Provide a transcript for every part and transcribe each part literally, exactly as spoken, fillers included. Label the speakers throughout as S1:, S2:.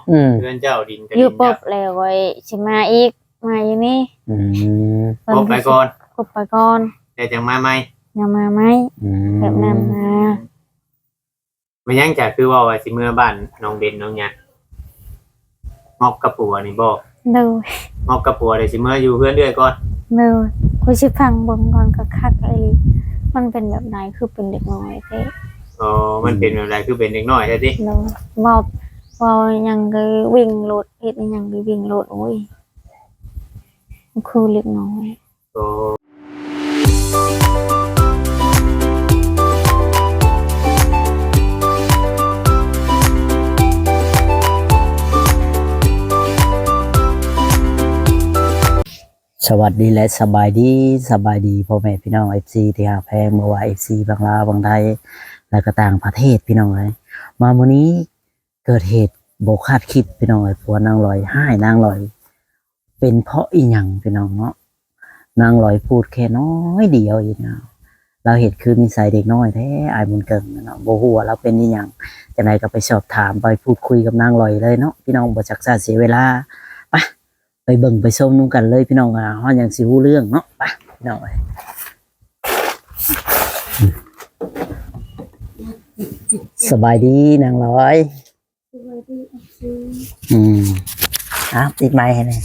S1: เพื่อนเจ้าดินก็
S2: อยู่ปบแล้วไว้สิมาอีกมาอยู่นี่
S1: อืมปบไปก่อน
S2: ปบไปก่อน
S1: แต่จังมาใหม่
S2: ยังมาไหมแบบนั้นมา
S1: มันยังจะคือว่าว่าสิเมื่อบ้านน้องเบนน้องหยังงอกกระปัวนี่บ่
S2: เด้
S1: องอกกระปัวได้สิเมื่ออยู่เพื่อนเรื่อยก่อน
S2: เด้อคุยสิฟังเบิ่งก่อนคักๆไอ้มันเป็นแบบไหนคือเป็นเด็กน้อยแท้
S1: อ๋อมันเป็นแบบไหนคือเป็นเด็กน้อยแท้ติ
S2: เนาะเว้าเว้ายังก็วิ่งโลดเฮ็ดหยังก็วิ่งโลดโอ้ยคือเล็กน้อย
S1: โอ้สวัสดีและสบายดีสบายดีพ่อแม่พี่น้อง เอฟ ซี ที่หาแพงเมื่อวาน เอฟ ซี บางลาวบางไทยและก็ต่างประเทศพี่น้องเลยมาวันนี้เกิดเหตุโบคาดคิดพี่น้องเลยผัวนางลอยให้นางลอยเป็นเพราะอีหยังพี่น้องเนาะนางลอยพูดแค่น้อยเดียวเองนะเราเห็นคือนิสัยเด็กน้อยแท้อายมุนเกิงเนาะโบหัวเราเป็นอีหยังจังไดก็ไปสอบถามไปพูดคุยกับนางลอยเลยเนาะพี่น้องบ่จักษาเสียเวลาไปไปเบิ่งไปชมนุ่งกันเลยพี่น้องอ่ะฮอดยังสิฮู้เรื่องเนาะไปพี่น้องเอ้ยสบายดีนางร้อย
S2: สบายดี
S1: อืมอ้าวติดไมค์ให้หน่อย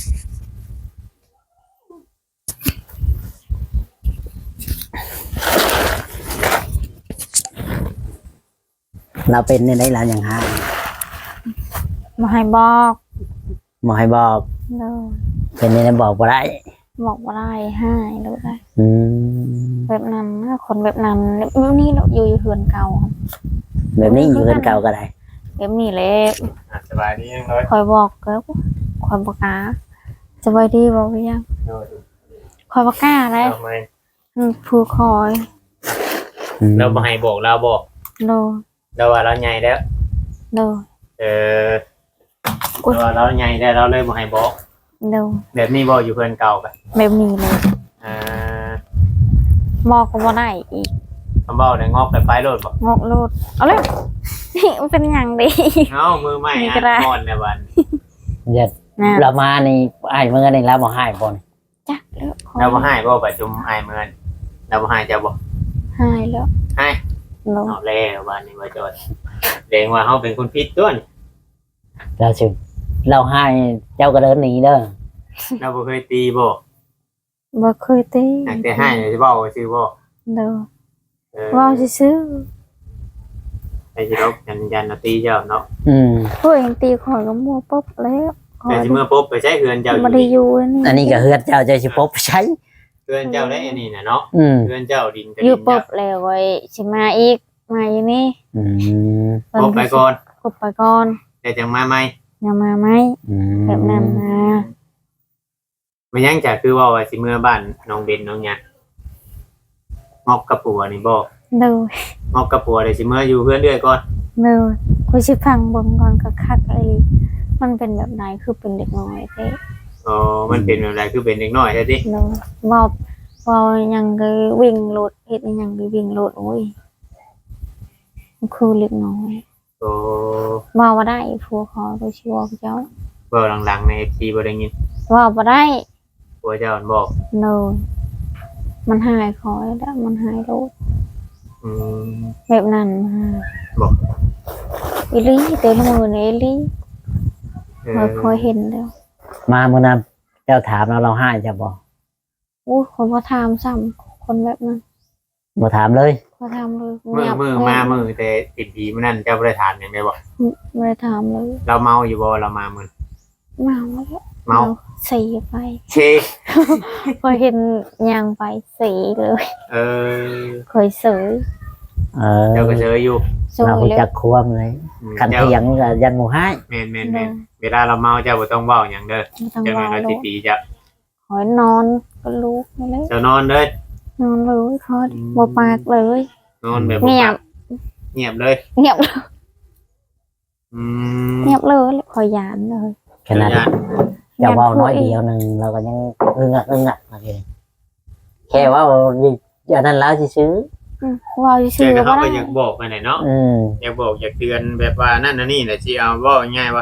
S1: เราเป็นในไหนเราอย่างฮะ
S2: มาให้บอก
S1: มาให้บอก
S2: เนาะ
S1: เป็นในไหนบอกบ่ได้
S2: บอกบ่ได้ให้รู้ได้
S1: อืม
S2: แบบนั้นคนแบบนั้นแบบนี้เราอยู่อยู่เฮือนเก่า
S1: แบบนี้อยู่เฮือนเก่าก็ได้
S2: แบบนี้แหละ
S1: สบายดีจังเลย
S2: คอยบอกก็คอยบอกกาสบายดีบอกยังคอยบอกกาได้ผู้คอย
S1: เราบ่ให้บอกเราบอก
S2: โน
S1: เราว่าเราใหญ่แล้ว
S2: โน
S1: เออเราว่าเราใหญ่แล้วเราเลยบ่ให้บอก
S2: โน
S1: แบบนี้บอกอยู่เฮือนเก่ากัน
S2: แบบนี้เลย
S1: อ่า
S2: บอกก็บ่ได้อีก
S1: คำบอกได้งอกไปไปโลดบ่
S2: งอกโลดเอาเลยมันเป็นอย่างดี
S1: เอ้ามือใหม่อ่ะก่อนในวันเย็ด
S2: เ
S1: รามานี่ไอ้เมื่อนี่แล้วบ่ให้บ่นี่
S2: จักแล้ว
S1: เราบ่ให้บ่ประชุมไอ้เมื่อเราบ่ให้จะบ่
S2: ให้แล้ว
S1: ให้เอาแล้ววันนี้ว่าจดแสดงว่าเฮาเป็นคนผิดตัวนี่เราสิเราให้เจ้าก็เดินหนีเด้อเราบ่เคยตีบ่
S2: บ่เคยตี
S1: แต่ให้สิเว้าซื่อบ่
S2: เด้อเว้าซื่อ
S1: ไอ้สิเรายันยันตีเจ้าเนาะอืม
S2: เพิ่นตีข่อยก็มัวปุ๊บแล้ว
S1: แต่สิเมื่อปุ๊บไปใช้เฮือนเจ้าอยู่
S2: บ่ได้อยู่นี่
S1: อันนี้ก็เฮือนเจ้าเจ้าสิปุ๊บใช้เฮือนเจ้าได้อันนี้น่ะเนาะเฮือนเจ้าดินก็
S2: อยู่ปุ๊บแล้วไว้สิมาอีกมาอยู่นี่
S1: อืมปุ๊บไปก่อน
S2: ปุ๊บไปก่อน
S1: แต่จังมาใหม่
S2: ยังมาไหมแบบนั้นมา
S1: มันยังจะคือว่าว่าสิเมื่อบ้านน้องเบนน้องหยังงอกกระปัวนี่บ่
S2: เด้
S1: องอกกระปัวได้สิเมื่ออยู่เพื่อนเรื่อยก่อน
S2: เด้อคุยสิฟังเบิ่งก่อนคักๆไอ้มันเป็นแบบไหนคือเป็นเด็กน้อยแท้
S1: อ๋อมันเป็นแบบไหนคือเป็นเด็กน้อยแท้ติ
S2: เนาะเว้าเว้ายังก็วิ่งโลดเฮ็ดหยังก็วิ่งโลดโอ้ยคือเล็กน้อย
S1: โอ้
S2: ว่าบ่ได้ผัวขอตัวชิวเจ้า
S1: เว้าหลังๆใน เอฟ ซี บ่ได้ยิน
S2: ว่าบ่ได้
S1: ผัวเจ้าบอก
S2: โนมันหายคอยแล้วมันหายโลด
S1: อืม
S2: แบบนั้น
S1: บอก
S2: อีลี่เต็มมือในอีลี่เราคอยเห็นแล้ว
S1: มาเมื่อนั้นเจ้าถามเราเราให้จะบอก
S2: โอ้คนบ่ถามซ้ำคนแบบนั้น
S1: บ่ถามเลย
S2: บ่ถามเลย
S1: มือมือมามือแต่ติดดีมื้อนั้นเจ้าบ่ได้ถามหยังได้บ่
S2: บ่ได้ถามเลย
S1: เราเมาอยู่บ่เรามามื้อ
S2: เมา
S1: เมา
S2: สีไป
S1: เช
S2: พอเห็นยางไปสีเลย
S1: เออ
S2: เคยเสย
S1: เออเจ้าก็เสยอยู่เราจักควมเลยคันเถียงก็ยันหมู่ให้แม่นๆๆเวลาเราเมาเจ้าบ่ต้องเว้าหยังเด้อเจ้าก็สิตีจ้ะ
S2: ขอนอนก็ลุกนั่นแหละ
S1: เจ้านอนเลย
S2: นอนเลยขอบ่ปากเลย
S1: นอนแบบ
S2: เงียบ
S1: เงียบเลย
S2: เงียบเลย
S1: อืม
S2: เงียบเลยขอยานเลย
S1: ขนาดจะเว้าน้อยเดียวนึงเราก็ยังอึ้งอ่ะอึ้งอ่ะโอเคแค่ว่าอย่างนั้นแล้วซื่อ
S2: เว้าซื่อ
S1: ๆเขาก็อยากบอกไปไหนเนาะอยากบอกอยากเตือนแบบว่านั่นน่ะนี่แหละสิเอาเว้าง่ายๆว่า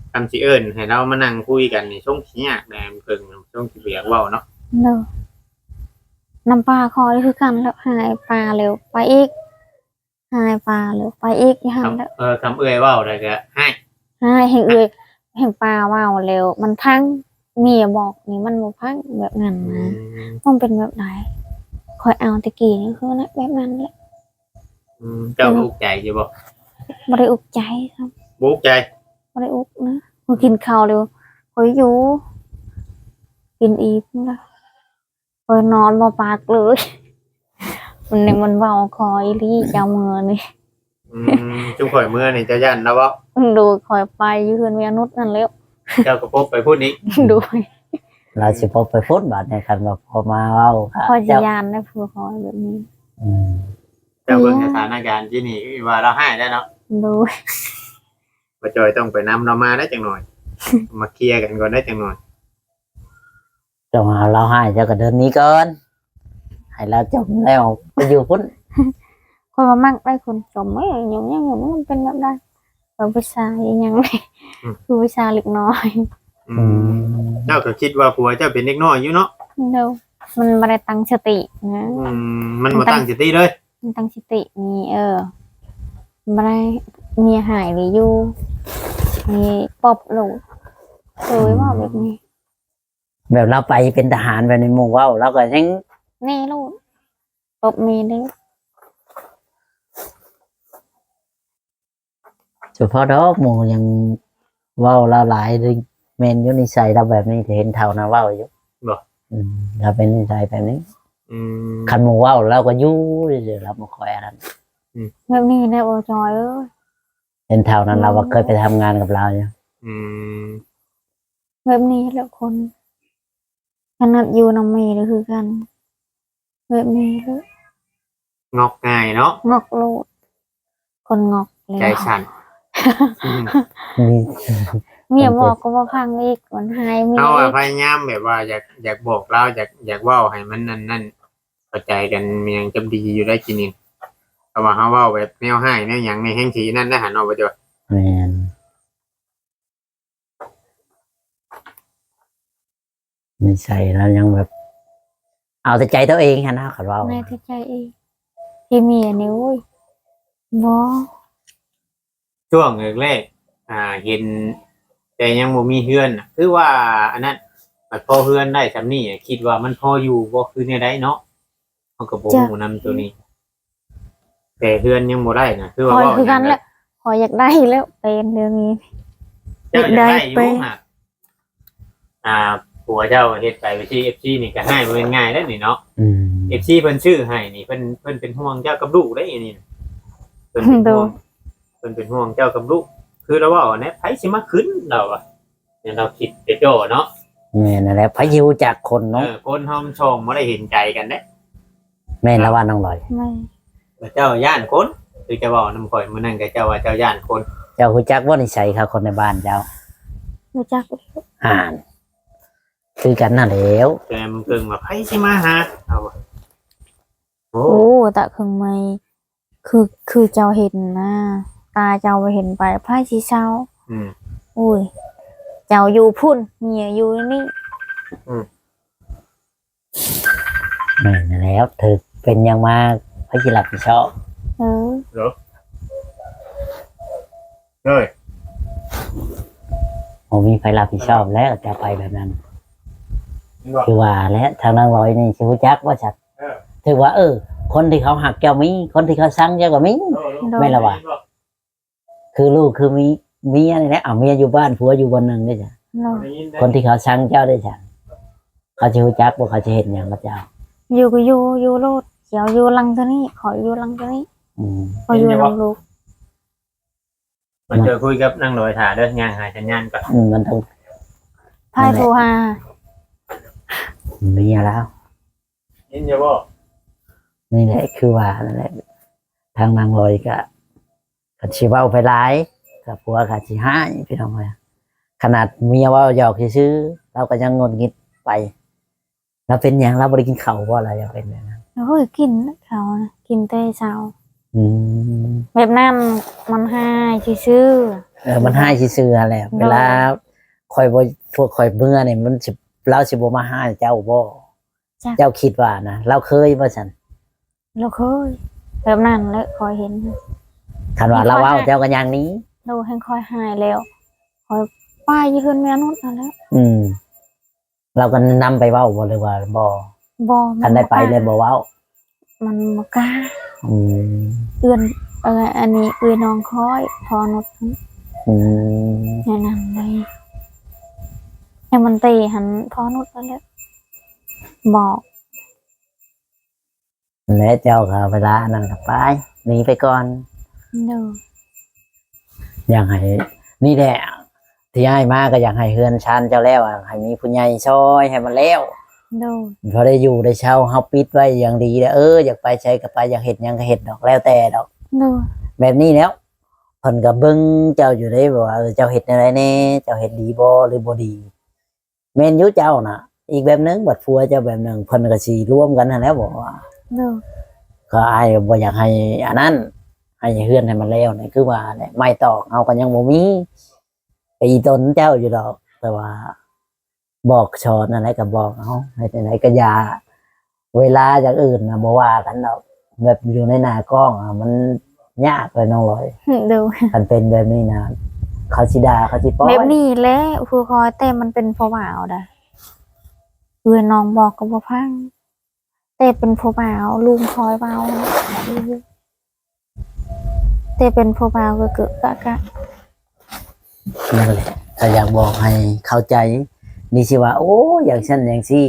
S3: คำสิเอิ้นให้เรามานั่งคุยกันนี่ช่วงขี้ยากแดงเพิ่งช่วงสิเบียกเว้าเนาะ
S2: เด้อน้ำปลาคอนี่คือกันแล้วหายปลาเร็วไปอีกหายปลาเร็วไปอีกอย่าหันแล้ว
S3: คำเออคำเอื้อยเว้าได้ก็ให้
S2: หายแห่งเอือยแห่งปลาว่าวเร็วมันพังเมียบอกนี่มันบ่พังแบบนั้น
S3: อื
S2: นะ
S3: ม
S2: มันเป็นแบบไหนคอยเอาตะกี้นี่คือนะแบบนั้นแหละ
S3: อืมเจ้าอุกใจอยู่บ่
S2: บ่ได้อุกใจครับ
S3: บุกใจ
S2: บ่ได้อุกนะพอกินข้าวเร็วคอยอยู่กินอีกนะคอยนอนบ่ปากเลย มันนี่มันเว้าคอยลี่เจ้ามือนี่
S3: อืมจุข่อยเมื่อนี่เจ้าย่านแล้วบ่
S2: ดูคอยไปอยืนเวียนุษนั่นแล้ว
S3: เจ้าก็พบไปพูดนี้
S2: ดู
S1: เราสิพบไปพูดบัดในคันว่าพอมาเว้าค่ะ
S2: คอยจะ
S1: เจ้าย
S2: านได้ผู้คอยแบบนี้
S1: อืม
S3: เจ้าเบิ่งสถานการณ์ที่นี่ว่าเราให้ได้เนาะ
S2: ดู
S3: บ่จอยต้องไปนำเรามาได้จังหน่อย มาเคลียร์กันก่อนได้จังหน่อย
S1: เจ้ามาเราให้เจ้าก็เดินหนี้ก่อนให้เราจบแล้วไปอยู่พุ่น
S2: คอยมามั่งได้คนจมไม่อย่างอย่างอย่างมันเป็นแบบได้แบบวิชาอย่างอย่างนี้คือวิชาเล็กน้อย
S3: อื
S1: อื
S3: ม
S1: ม
S3: เจ้าก็คิดว่าผัวเจ้าเป็นเด็กน้อยอยู่เนาะ
S2: ดูมันไม่ได้ตั้งสตินะ
S3: อืมมันบ่ตั้งสติเลย
S2: มันตั้งสติมีเออไม่ได้เมียหายหรืออยู่มีปอบหลูเลยว่าแบบนี้
S1: แบบเราไปเป็นทหารไปในหมู่เว้าเราก็ยัง
S2: นี่ลูกปอบมีได้
S1: เฉพาะดอกหมู่ยังเว้าเราหลายเลยแม่นอยู่นิสัยเราแบบนี้เห็นเท่านะเว้าอยู่
S3: บ่
S1: อืมเราเป็นนิสัยแบบนี้
S3: อืม
S1: คันหมู่เว้าเราก็อยู่เรื่อยๆเราบ่ค่อยอะไร
S2: แบบนี้ได้โอจอยเอ้ย
S1: เห็นเท่านั้นเราก็เคยไปทำงานกับเราอยู่
S3: อืม
S2: แบบนี้แหละคนขนาดอยู่น้ำเมย์เลยคือกันแบบนี้เลย
S3: งอกง่ายเนาะ
S2: งอกโลดคนงอกเลย
S3: ใจสั่นอืม
S1: มี
S2: เมียบอกก็ว่าพังอีกมันหายเมีย
S3: เอาอะ
S2: อีก
S3: พยายามแบบว่าอยากอยากบอกเราอยากอยากเว้าให้มันนั่นนั่นเข้าใจกันมันยังจะดีอยู่ได้กินนี่แต่ว่าเฮาเว้าแบบแนวให้แนวหยังในแห่งสีนั่นได้หันออกไปจ้ะ
S1: แม่นนิสัยเรายังแบบ เอาแต่ใจตัวเองฮะนะเขาเว้า
S2: ในที่ใจอีกที่เมียนี่โอ้ยบอ
S3: ช่วงแรกๆอ่าเห็นแต่ยังบ่มีเฮือนน่ะคือว่าอันนั้นมันพอเฮือนได้ซำนี้อะคิดว่ามันพออยู่บ่คือแนวใดเนาะเฮาก็บ่ฮู้นำตัวนี้ แต่เฮือนยังบ่ได้นะคือ
S2: ค
S3: ว่า
S2: อย
S3: เว้า
S2: คือกัน
S3: หยัง
S2: แหละคอยอยากได้แล้วเป็นเรื่องนี้
S3: เจ้าอยากได้อ
S2: ไป
S3: ยู่ฮะอ่าผัวเจ้าเฮ็ดไปไปที่ เอฟ ซี นี่ก็ให้บ่เป็นง่ายแล้วนี่เนาะ
S1: อืม
S3: เอฟซีเพิ่นชื่อให้นี่เพิ่นเพิ่นเป็นห่วงเจ้ากับลูกได้อันนี้เพิ่นเป็นห่วงเพิ่นเป็นห่วงเจ้ากับลูกคือเราว่าเนี่ยไผสิมาขึ้นเราอ่ะเนี่ยเราคิดไปโจเนาะ
S1: แม่นั่นแหละพายุจากคน
S3: เอ
S1: เนาะ
S3: อคนหอมชองบ่ได้เห็นใจกันเด้
S1: แม่นละว่าน้องลอย
S2: ไม่
S3: แต่เจ้าย่านคนคือจะเว้านำข่อยมื้อนั้นก็เจ้าว่าเจ้าย่านคน
S1: เจ้าฮู้จักว่านิสัยเขาคนในบ้านเจ้า
S2: รู้จัก
S1: ห่านคือกันนั่นแหล้ว
S3: แต่มันเพิ่งว่าไผสิมาหาเอาว่ะโอ้
S2: โอ้แต่คือไม่คือคือเจ้าเห็นนะตาเจ้าไปเห็นไปไพ่ชีเช้า
S3: อืม
S2: อุ้ยเจ้าอยู่พุ่นเมียอยู่นี่
S1: แม่นั่นแหล้วเธอเป็นอยังมากพระจิรับผิดชอบ
S2: เออ
S3: เฮ้ย
S1: ผมมีไฟรับผิดชอบแล้วจะไปแบบนั้น
S3: นี่บ่
S1: คือว่าและทางนางลอยนี่ชิวจักว่าชัด
S3: เออ
S1: ถือว่า เออ คนที่เขาหักเจ้ามีคนที่เขาสั่งเจ้าก็มี ไม่ละว่ะ คือลูกคือมีเมียนี่แหละเอาเมียอยู่บ้านผัวอยู่บนหนึ่งได้จ้ะ
S2: เรา
S1: คนที่เขาสั่งเจ้าได้จ้ะเขาชิวจักว่าเขาจะเห็นอย่างกับเจ้า
S2: อยู่ก็อยู่อยู่โลดเจ้าอยู่หลังตัวนี้ ขออยู่หลังตัวนี้
S1: อืม
S2: ขออยู่หลังลูก
S3: มันเจอคุยกับนางลอยถ่าเด้อย่างหาสัญญาณก่อน
S1: อืมมันต้อง
S2: พายโทรหา
S1: เมียแล้ว
S3: ยินจะบ่
S1: นี่แหละคือว่านั่นแหละทางนางลอยก็กัชิเว้าไปหลายกับผัวกัชิห้ายพี่น้องเลยขนาดเมียเว่าหยอกซื้อๆเราก็ยังงดงิดไปเราเป็นอย่างเราบริกินเขาวเพราะอะไรอยากเป็นแบบนั้น
S2: เฮ้ยกินเขานะกินแต่เช้า
S1: อืม
S2: แบบนั้นมันหายชื่อ
S1: เออมันให้ซื่อๆแหละเวลาคอยบ่พวกคอยเมื่อเนี่ยมันสิเราสิบ่มาให้เจ้าบ่เจ้าคิดว่านะเราเคยบ่ซั่น
S2: เราเคยแบบนั้นแล้วคอยเห็น
S1: คันว่าเราเว้าเจ้าก็อย่างนี้
S2: เราให้คอยหายแล้วคอยป้ายยืนแม่นุษย์นั่นแหล้ว
S1: อืม เราก็นำไปเว้าบ่เลยว่าบ่
S2: บอ
S1: คันได้ไปเลยบ่เว้า
S2: มันมากล้า
S1: อืม
S2: เอื้อนเอออันนี้เอื้อนน้องคอยพอนุษย์
S1: อืม
S2: แนะนำเลยให้มันตีหันพอนุษย์นั่นแหละบอก
S1: แล้วเจ้าก็เวลานั่นก็ไปหนีไปก่อน
S2: เด้อ
S1: อย่างให้นี่แหละที่ให้มาก็อยากให้เฮือนชันเจ้าแล้วอะให้มีผู้ใหญ่ช่วยให้มันแล้ว
S2: เด้อ
S1: พอได้อยู่ได้เช่าเฮาปิดไว้อย่างดีแล้วเอออยากไปใช้ก็ไปอยากเห็ดหยังก็เห็ดดอกแล้วแต่ดอก
S2: เด้อ
S1: แบบนี้แล้วเพิ่นก็เบิ่งเจ้าอยู่ได้บ่ว่าเออเจ้าเฮ็ดอะไรแน่เจ้าเฮ็ดดีบ่หรือบ่ดีแม่นอยู่เจ้าน่ะ อีกแบบหนึงบัดผัวเจ้าแบบหนึงเพิ่นก็สิร่วมกันนั่นแหล้วบ่ว่า
S2: เด้อ
S1: ก็อ้ายบ่อยากให้อันนั้นให้เฮือนให้มันแล้วนี่คือว่าเนี่ยไม่ตอกเอาก็ยังบ่มีตีตนเจ้าอยู่ดอก แต่ว่า บอกสอนอะไรก็บอกเอาให้ไปไหนก็อย่าเวลาอย่างอื่นนะบ่ว่ากันดอกแบบอยู่ในหน้ากล้องอะมันยากเลยน้องลอย
S2: เด้อ
S1: มันเป็นแบบนี้นะเขาสิดาเขาสิป้อย
S2: แบบนี้แหละครูคอยแต่มันเป็นพอบ่าวได้เอื้อนน้องบอกก็บ่พังแต่เป็นพอบ่าวลุงคอยเบาแต่เป็นพอบ่าวก็เกิดกะกะ
S1: นั่นแหละถ้าอยากบอกให้เข้าใจ นี่สิว่า โอ้อย่างฉันอย่างซี่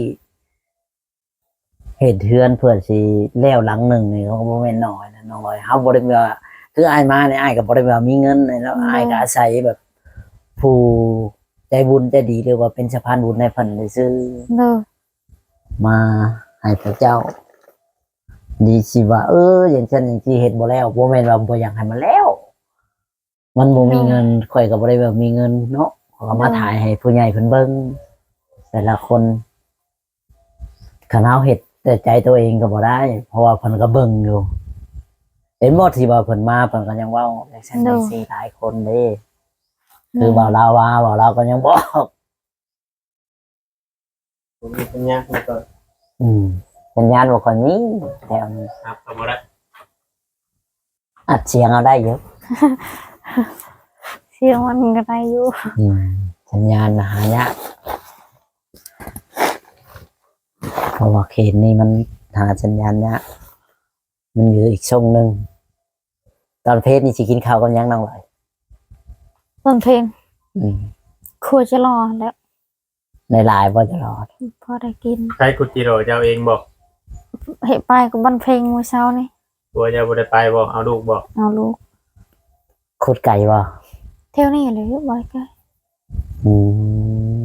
S1: เหตุเทือนเพื่อนสิแล้วหลังหนึ่งนี่เขาก็บ่แม่นน้อยนะน้อยเฮาบ่ได้ว่าคืออ้ายมาเนี่ยอ้ายก็บ่ได้ว่ามีเงินเลยแล้วอ้ายก็อาศัยแบบ ผู้ใจบุญใจดีหรือว่าเป็นสะพานบุญในเพิ่นได้ซื้อ
S2: เด้อ
S1: มาให้พระเจ้า ดีสิว่า เออ อย่างเช่นอย่างที่เห็นบ่แล้วบ่แม่นว่าบ่อยากให้มันแล้ว มันบ่มีเงินข่อยก็บ่ได้แบบมีเงินเนาะขอมาถ่ายให้ผู้ใหญ่เพิ่นเบิ่งแต่ละคนคันเฮาเฮ็ดแต่ใจตัวเองก็บ่ได้ เพราะว่าเพิ่นก็เบิ่งอยู่เห็นบ่ที่ว่าเพิ่นมาเพิ่นก็ยังเว้าอย่างเช่นจังซี่หลายคนเด้คือบ่าวลาวว่าบ่าวลาวก็ยังบอก
S3: ผมมีปัญญามาก่อน
S1: อืมสัญญาณบ่ค่อยมีแถวนี้
S3: ครับเอาบ่ได้
S1: อัดเสียงเอาได้เยอะ
S2: เสียงมันก็ได้อยู่
S1: อืมสัญญาณหายากเพราะว่าเขตนี้มันหาสัญญาณยากมันอยู่อีกช่องหนึ่งตอนเพศนี่สิกินข้าวกันยังน้องเลย
S2: ต้นเพลง
S1: อืม
S2: ครัวจะรอแล้ว
S1: ในไลน์ว่าจะรอด
S2: พอได้กิน
S3: ใช้คุจิโร่เจ้าเองบอก
S2: เห็นไปกับบันเพลงเมื่อเช้านี่
S3: ตัวเจ้าบ่ได้ไปบอกเอาลูกบอก
S2: เอาลูก
S1: ขุดไก่บ่
S2: เที่ยวนี่เลยบ่อยก็
S1: อืม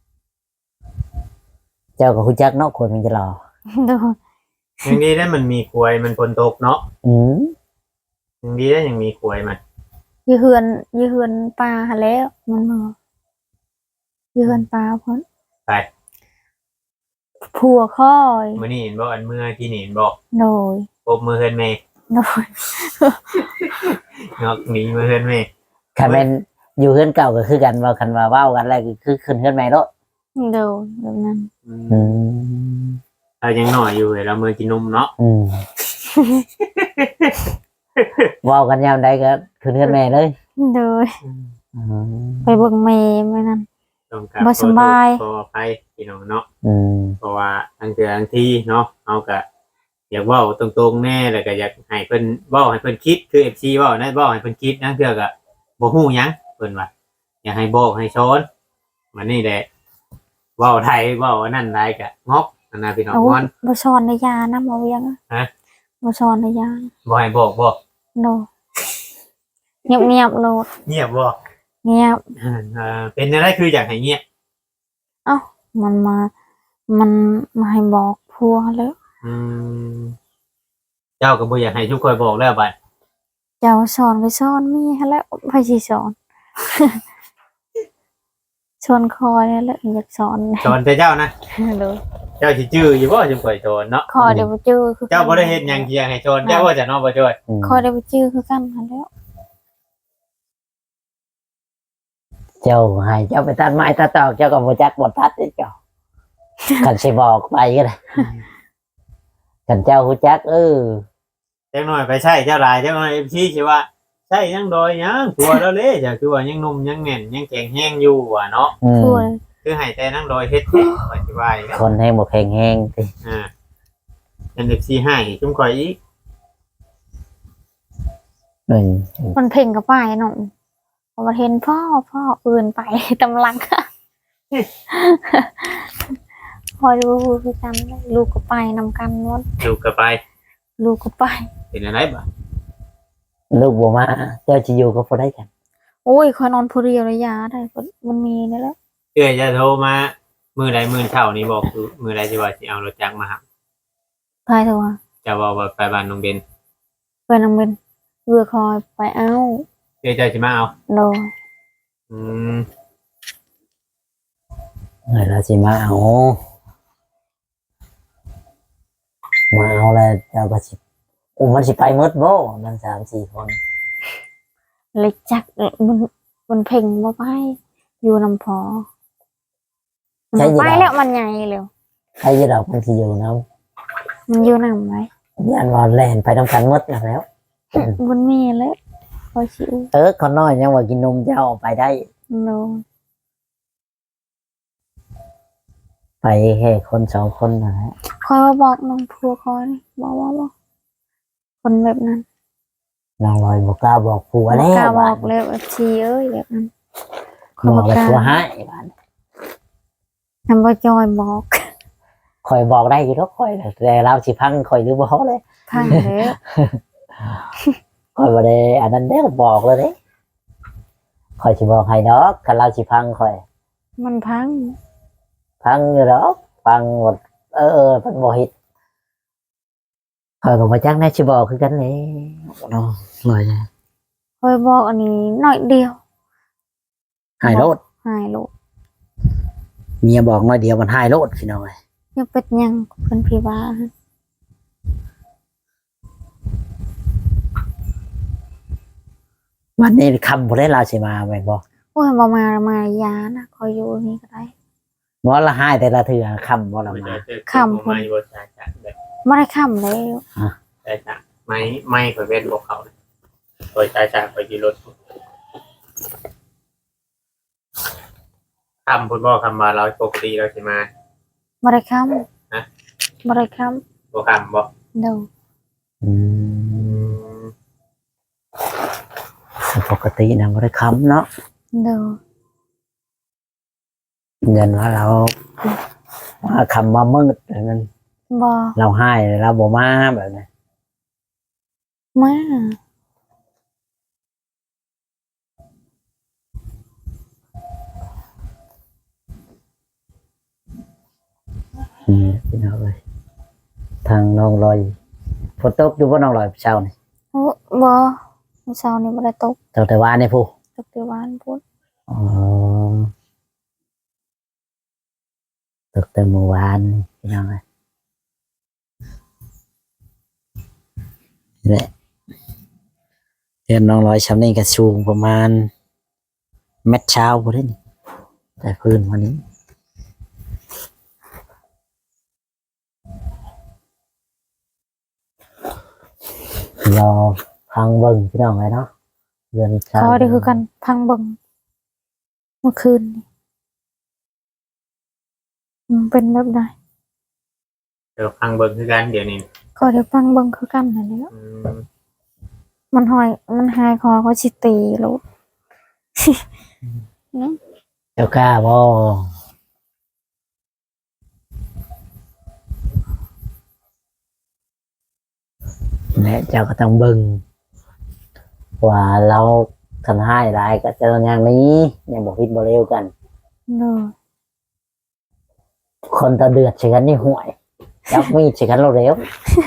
S1: เจ้ากับคุณจักเนาะคนมันจะรอ
S2: ดู
S3: ยังดีได้มันมีควยมันฝนตกเนาะ
S1: อืม
S3: ยังดีได้ยังมีควยมัน
S2: ยืเฮือนยืเฮือนปลาหาแล้วมันมายืเฮือนปลาพ้น
S3: ไป
S2: ผัวค่อย
S3: มื้อนี้เห็นบ่อันเมื่อที่นี่เห็นบ่
S2: โดย
S3: พบมือเฮือนแม่
S2: โดย
S3: งอกหนีมือเฮือนแม่
S1: คันแม่นอยู่เฮือนเก่าก็คือกันว่าคันว่าเว้ากันแล้วก็คือขึ้นเฮือนใหม่เนาะ
S2: โดยแบบนั้น
S1: อืม
S3: เรายังหน่อยอยู่เลยเรามือกินนมเนาะ
S1: อืม เว้ากันยามใดก็ขึ้นเฮือนแม่เลย
S2: โดย
S1: อืม
S2: ไปเบิ่งเมย์มื่อนั้น
S3: ต้องการ
S2: บ่สบาย
S3: ขออภัยพี่น้องเนาะ
S1: อืม
S3: เพราะว่าทั้งเทื่อทั้งที่เนาะเอาก็อยากเว้าตรงๆแน่แล้วก็อยากให้เพิ่นเว้าให้เพิ่นคิดคือ เอฟ ซี เว้านะเว้าให้เพิ่นคิดนะเทื่อก็บ่ฮู้หยังเพิ่นว่าอยากให้บอกให้สอนมันนี่แหละเว้าไทยเว้าอันนั้นได้ก็งอกอันน่ะพี่น้อง
S2: เอา
S3: ม่อน
S2: บ่ชอนในยานะบ่เวียง
S3: ฮะ
S2: บ่ชอนในยา
S3: บ่ให้บอกบ่
S2: โดยเงียบเงียบๆโลด
S3: เงียบบ่
S2: เงียบ
S3: อ่าเอ่อเป็นอะไรคืออยากให้เงียบ
S2: เอ้ามันมา มันมาให้บอกผัวแล้ว
S3: อืมเจ้าก็บ่อยากให้ทุกคนบอกแล้วบัด
S2: เจ้าสอนก็สอนมีให้แล้วไผสิสอน ชวนคอยนี่แหละอยากสอน
S3: สอนแต่เจ้านะ
S2: เลย
S3: เจ้าสิจื้ออยู่บ่จังข่อยสอนเนาะ
S2: คอยเดี๋ยวไปจื้อคือ
S3: เจ้าบ่ได้เฮ็ดหยังที่อยากให้สอนเจ้าว่าจะเนาะบ่จ้อย
S1: อืม
S2: คอยเดี๋ยวไปจื้อคือกันหั้นแหล้ว
S1: เจ้าให้เจ้าไปตัดไม้ตัดตอกเจ้าก็บ่จักบ่ตัดเด้เจ้า คันสิบอกไปก็ได้คันเจ้าฮู้จักเออ
S3: จังหน่อยไปใช่เจ้าหลายจังหน่อยพี่สิว่าใช่ยังดอยยังตัวแล้วเด้จ้ะคือว่ายังหนุ่มยังแน่นยังแข็งแรงอยู่ว่ะเนาะ
S1: อืม
S2: ช่วย
S3: คือให้แต่นั่งดอยเฮ็ดแท้ว่าสิว่าอีกแล้ว
S1: คนให้บ่แข็งแรงติ
S3: อ่า เอ็น เอฟ ซี ให้จุ่มข่อยอีก
S1: อืม
S2: มันเพ่งกับป้ายน้องพอมาเห็นพ่อพ่ออื่นไป ตำลัง พอดูคือกันลูกก็ไปนำกันหมด
S3: ดูกลับไป
S2: ลูกก็ไป
S3: เป็นอะไรบ่
S1: ลูกบ่มาเจ้าสิอยู่ก็บ่ได้กัน
S2: โอ้ยคอยนอนผู้เดียวระยะได้ก็มันมีนี่แหละ
S3: เอ้ยจะโทรมามื้อใดมื้อเช้านี่บอกคือมื้อใดสิว่าสิเอารถจักรมาครับ
S2: พายเถอะวะ
S3: จะว่าว่าไปบ้านน้องเบน
S2: ไปนำเป็นเรือคอยไปเอา
S3: เอ้ยเจ้าสิมาเอา
S2: โดย
S3: อืม
S1: เฮ้ยเราสิมาเอามาเอาแล้วเจ้าก็สิโอ้มันสิไปหมดบ่มันสามสี่คน
S2: เล็กจักมันมันเพ่งมาไปอยู่นำพอมันไปแล้วมันใหญ่เร็ว
S1: ใครจะดอกมันสิอยู่นำ
S2: มันอยู่นำไหม
S1: ย่านว่าแล่นไปนํกันหมดนั่นแล้ว
S2: มันมีแล้วพอชิว
S1: เออคนน้อยยังว่ากินนมเจ้าเอาไปได้
S2: โดย
S1: ไปแค่คนสองคนนั่นแหละ
S2: คอยมาบอกน้องพัวคอยบอกว่าบอกคนแบบนั้น
S1: น้องลอยบอกกล้าบอกผัว
S2: บ่
S1: แล้ว
S2: กล้าบ
S1: บ้า
S2: อน กเลยว่าชีเอ้ยแบบนั้น
S1: บอกแล้วผัวให้บ้าน
S2: ทำบ่จอยบอก
S1: คอยบอกได้อยู่แล้วคอยแต่เราสิพังคอยหรือบ่เลย
S2: พังเลย
S1: คอยบ่ได้อันนั้นได้บอกเลยเด้คอยสิบอกให้ดอกคันเราสิพังคอย
S2: มันพัง
S1: พังอยู่ดอกพังหมดเออเออมันบ่เฮ็ดคอยก็บ่จักแน่สิบอกคือกันแหละเนาะลอย
S2: คอยบอกอันนี้หน่อยเดียว
S1: หายโลด
S2: หายโลด
S1: เมียบอกน้อยเดียวมันหายโลดพี่น้องเอ้ย
S2: ยังเป็นหยังเพิ่นพี่ว่า
S1: วันนี้คำบ่ได้ลาสิมาแม่นบ่
S2: โอ้ยบ่มามายานะคอยอยู่นี่ก็ได้
S1: บ่ละหายแต่ละเทื่อคำบ่ละ
S3: ไม่
S1: มา
S3: ได้เจอคนบ่มาอยู่บ่จ้าจ้ะแบบ
S2: บ่ได้ค้ำแล้ว
S3: ได้จ้ะไม่ไม่ข่อยเว้นบ่เขาเลยข่อยจ้าจ้ะข่อยขี่รถคำพูดบ่คำว่าเราปกติเราสิมา
S2: บ่ได้ค้
S3: ฮะ
S2: ำบ่ได้ค้
S3: บ่คำบ่
S2: ำเด้อ
S1: อืมปกตินะบ่ได้คำเนาะ
S2: เด้อ
S1: เงินว่าเราว่าคำว่ามืดแบบนั้น
S2: บ่
S1: เราให้เราบ่มาแบบนั้น
S2: มา
S1: อืมพี่น้องเลยทางน้องลอยฝนตกอยู่บ่น้องลอยเช้านี่
S2: โอ้บ่มื้อเช้านี้บ่ได้ตก
S1: ตั้งแต่วานนี่ผู้
S2: ตกแต่วานพุ่น
S1: อ๋อตกแต่เมื่อวานนี่พี่น้องเลยนี่แหละเรียนน้องลอยชำนี่ก็สูงประมาณเม็ดเช้าพอได้นี่แต่พื้นวันนี้รอพังเบิ่งพี่น้องเลยเนาะเดือนเช้า
S2: เขาได้คือกันพังเบิ่งเมื่อคืนนี่มันเป็นแบบใด
S3: เดี๋ยวฟังเบิ่งคือกันเดี๋ยวนี้
S2: ก็ได้พังเบิ่งคือกันนั่นแหละ
S3: อืม
S2: มันหอยมันหายคอเขาสิตีลูก
S1: เจ้ากล้าบ่และเจ้าก็ต้องเบิ่งว่าเราทำให้ได้ก็เจออย่างนี้ยังบอกพิดบ่เร็วกัน
S2: เด้อ
S1: คนตาเดือดใช่กันนี่ห่วยจับมีดใช่กันเราเร็ว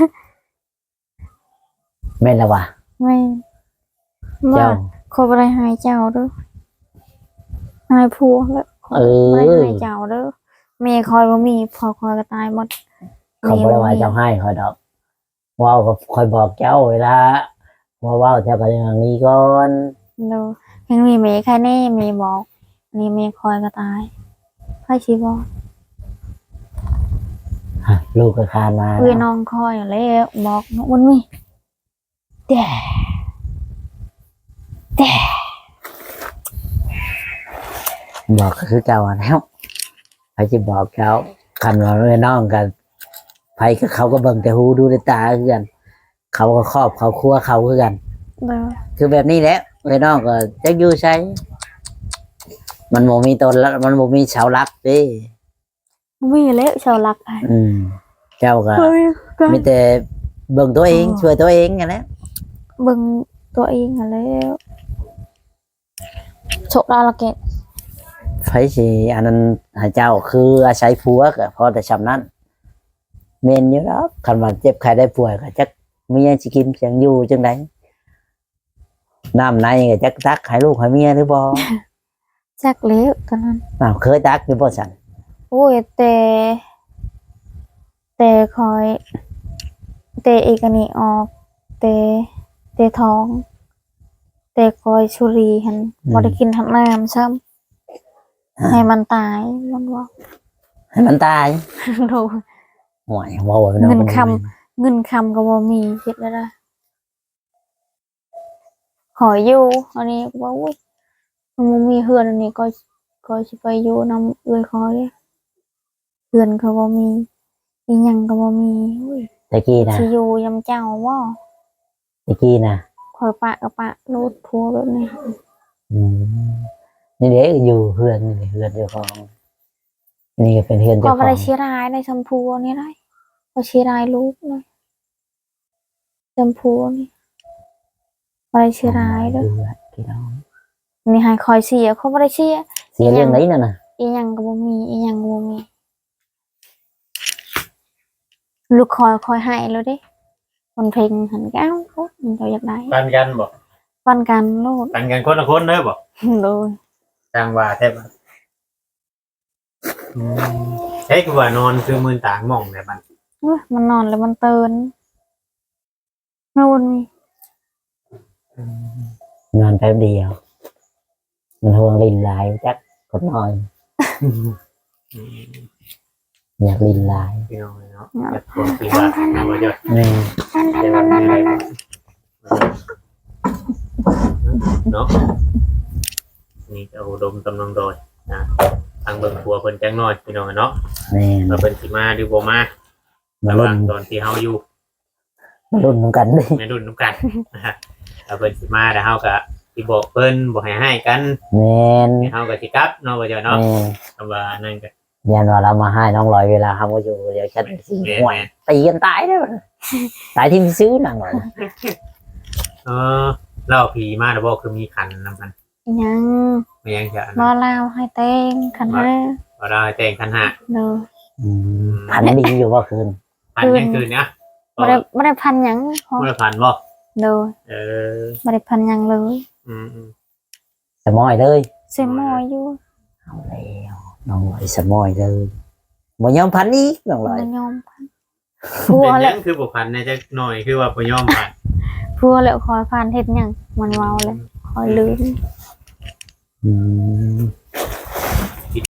S1: แม่นละวะ
S2: ไม่ว่า
S1: เจ้า
S2: เขาบ่ได้หายเจ้าเด้อหายผัวแล้ว
S1: เอ
S2: บ่ได้
S1: อ
S2: หายเจ้าเด้อแม่คอยบ่มีพอคอยก็ตายหมด
S1: เขาบอกว่าเจ้าให้คอยดอกว้าวก็คอยบอกเจ้าเวลาว่าว้าวเจ้าก็อย่างนี้ก่อน
S2: เด้อยังมีแม่แค่นี้แม่บอกนี่เมียคอยก็ตายไพ่ชีบอ
S1: ฮะลูกก็คานมา
S2: เอ้ยน้องคอยแล้วบอกมันมีแต่แต่
S1: บอกก็คือเก่าอะแล้วไผสิบอกเขาคันว่าเอ้ยน้องกันไผก็เขาก็เบิ่งแต่หูดูแต่ตาคือกัน เขาก็ครอบเขาครัวเขาคือกัน
S2: เด้อ
S1: คือแบบนี้แหละเอ้ยน้องก็จักอยู่ใช้มันบ่มีตนแล้วมันบ่มีเสาหลักเด้
S2: มีแล้วชาวลักไอ้
S1: อืม เจ้าก็
S2: เฮ้ยก็
S1: มีแต่เบิ่งตัวเองช่วยตัวเองกันแหละ
S2: เบิ่งตัวเองอะแล้วโชคดาละเกต
S1: ไผสิอันนั้นให้เจ้าคืออาศัยผัวก็พอแต่ชำนั้นแม่นอยู่แล้วคันว่าเจ็บไข้ได้ป่วยก็จักมีหยังสิกินจังอยู่จังไดน้ำในก็จักตักให้ลูกให้เมียหรือบ่
S2: จักแล้วตอนนั้น
S1: อ้าวเคยตักอยู่บ่ซั่น
S2: โอ้ยแต่แต่คอยแต่เอกอันนี้ออกแต่แต่ท้อง แต่คอยชุรีหันบ่ได้กินทั้งน้ำซ้ำให้มันตายมันว่า
S1: ให้มันตาย
S2: โดน
S1: ห่วยเว้าไว้
S2: เงิน
S1: มั
S2: คำ เงินคำก็บ่มีคิดแล้วนะขออยู่อันนี้ก็บอกอุ้ยมันบ่มีเฮือนอันนี้ก็ก็สิไปอยู่นำเอื้อยคอยเฮือนก็บ่มีอีหยังก็บ่มีอุ้ย
S1: ตะกี้นะ
S2: สิอยู่ยำเจ้าบ่
S1: ตะกี้นะ
S2: คอยปะกับปะรูดพัวแบบนี้
S1: อืมนี่เด็กอยู่เฮือนนี่เฮือนเจ้าของนี่ก็เป็นเฮือน
S2: ก็
S1: เจ้าข
S2: บ่
S1: อง
S2: ได้ชีรายในชมพูนี่ได้ก็ชีรายลูกเลยชมพูนี่บ่ได้ชีรายเด้อ
S1: เฮือนพี่น้อง
S2: นี่ให้คอยเสียเขาบ่ได้เสีย
S1: เสียเรื่องไหนน่ะน่ะ
S2: อีหยังก็บ่มีอีหยังก็บ่มีลูกคอยคอยให้แล้วเด้คนเพลงหันก้าวโอ้มันเจ้าอยากได้
S3: ปันกันบ่
S2: ปันกันโลด
S3: ปันกันคนละคนเด้อบ่
S2: โดย
S3: ทางว่าแท้บ่อืมเฮ้ยคือว่านอนคือมือต่างหม่องได้บัด
S2: เอ้ยมันนอนแล้วมันตื่นนู่นมี
S1: นอนแป๊บเดียว มันห่วงลินลายจักกดนอนอยากลินลาย
S3: พี่น้องเนาะอยากคนคือว่าเอาว่าจะ
S1: แม่
S3: แต่ว่ามีอะไรบ้างเนาะนี่ก็อุดมกำลังโดยนะทางเบิ่งครัวเพิ่นจังน้อยพี่น้องเนาะ
S1: แม่
S3: ว่าเพิ่นสิมาหรือบ่มา
S1: มา
S3: ระห
S1: รุ่
S3: ว่าน งตอนที่เฮาอยู่
S1: มารุ่นน้ำกันดิ
S3: ในรุ่นนํกันนะฮะถ้าเพิ่นสิมาแล้วเฮาก็สิบอกเพิ่นบ่ให้ให้กัน
S1: แม่น
S3: ให้เฮาก็สิกลับเนาะว่าจะเนาะ
S1: แม่น
S3: คำว่านั่นก็
S1: ยันว่าเรามาให้น้องลอยเวลาทำก็อยู่เดี๋ยวฉันสิ
S3: แม่
S1: ห่วยตีกันตายได้บ่ตายที่มีซื้อหนังหน่อย
S3: เออเล่าผีมาแล้วบ่คือมีขันนำกัน
S2: อีหยัง
S3: ไม่ยังจะ
S2: รอลาวให้เต้งคันห้า
S3: บ่ได้แต่งขันห้า
S2: เด้อ
S1: อืมพันดีอยู่ว่าคืน
S3: พันยังคืนนะ
S2: บ่ได้บ่ได้พันหยังพอ
S3: บ่ได้พันบ่
S2: เด้อ
S3: เออ
S2: บ่ได้พันหยังเลย
S3: อืมอืม
S1: สมอยเลย
S2: เสียหมออยู่
S1: เอาแล้วน้องลอยสมอยเลยบ่ยอมพันอีกน้องลอย
S2: บ่ยอมพันพัว
S3: เป็น
S2: แล้
S3: ยั
S2: ว
S3: งคือบ่พันในจักหน่อยคือว่าบ่ยอมพัน
S2: พัวแล้วคอยพันเฮ็ดหยังมันเว้าเลยคอยลืม
S1: อืม